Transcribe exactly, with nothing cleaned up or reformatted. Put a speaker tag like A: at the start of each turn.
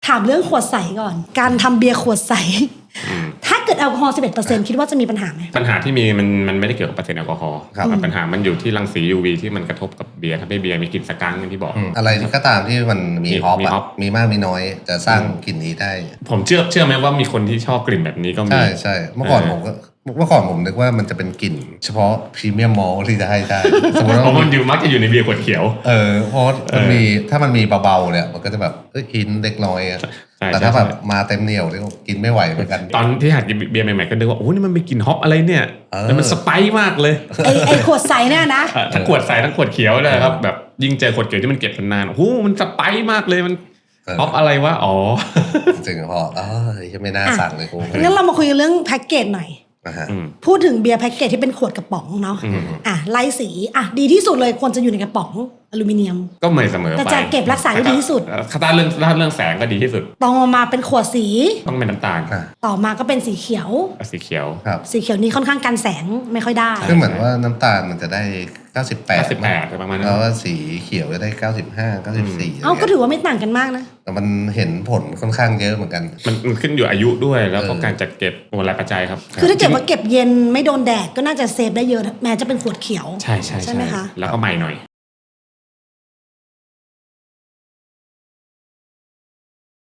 A: ถามเรื่องขวดใสก่อนการทำเบียร์ขวดใสถ้าเกิดแอลกอฮอล์ สิบเอ็ดเปอร์เซ็นต์ คิดว่าจะมีปัญหาไหม
B: ปัญหาที่มีมันมันไม่ได้เกี่ยวกับเปอร์เซ็นต์แอลกอฮอล์ปัญหามันอยู่ที่รังสี ยู วี ที่มันกระทบกับเบียร์ทำให้เบียร์มีกลิ่นสกังอย่างที่บอก
C: อะไรก็ตามที่มันมีฮอปมีมากมีน้อยจะสร้างกลิ่นนี้ได้
B: ผมเชื่อเชื่อไหมว่ามีคนที่ชอบกลิ่นแบบนี้ก็มี
C: ใช่ใช่เมื่อก่อนผมก็เมื่อก่อนผมนึกว่ามันจะเป็นกลิ่นเฉพาะพรีเมียมมอลที่จะให้ได้
B: สมมติว่ามันอยู่มักจะอยู่ในเบียร์ขวดเขียว
C: เออเพราะมันมีถ้ามันมีเบาๆเนี่ยมันก็จะแบบเอ้ยกินเล็กน้อยแต่ถ้าแบบมาเต็มเหนียวเนี่ยกินไม่ไหวเหมือนกัน
B: ตอนที่หัดกินเบียร์ใหม่ๆก็นึกว่าโอ้นี่มันมีกลิ่นฮอปอะไรเนี่ยแล้วมันสไปซ์มากเลย
A: ไอ้ไอ้ขวดใสเนี่ยนะ
B: ทั้งขวดใสทั้งขวดเขียวเลยครับแบบยิ่งเจอขวดเขียวที่มันเก็บนานๆโอ้โหมันสไปซ์มากเลยมันฮอปอะไรวะอ๋อ
C: จริงพอเออยังไม่น่าสั่งเลยกู
A: งั้นเรามาคุยเรื่องแพ็กเกจหน่อยพูดถึงเบียร์แพ็กเกจที่เป็นขวดกระป๋องเนาะอ่ะไล่สีอ่ะดีที่สุดเลยควรจะอยู่ในกระป๋องอลูมิเนียม
B: ก็ไม่เสมอไป
A: แต่จะเก็บรักษาได้ดีที่สุด
B: ถ้าเรื่องถ้าเรื่องแสงก็ดีที่สุด
A: ต่อมาเป็นขวดสี
B: ต้องเป็นน้ำตาล
A: ต่อมาก็เป็นสีเขียว
B: สีเขียว
C: ครับ
A: สีเขียวนี้ค่อนข้างกันแสงไม่ค่อยได้
C: คือเหมือนว่าน้ำตาลมันจะได้เก้าสิบแปด
B: เก้าสิบแปดประมาณนั้น
C: แล้วว่าสีเขียวจะได้เก้าสิบห้า เก้าสิบสี่
A: เอ้าก็ถือว่าไม่ต่างกันมากนะ
C: แต่มันเห็นผลค่อนข้างเยอะเหมือนกัน
B: มันมันขึ้นอยู่อายุด้วยแล้วก็การจัดเก็บหลายปัจจัยครับ
A: คือถ้าเกิดว่าเก็บเย็นไม่โดนแดดก็น่าจะเซฟได้เยอะแม้จะเป็นขวดเขียว
B: ใช่ใช่
A: ใช่ไหมคะ
B: แล้วก็ใหม่หน่อย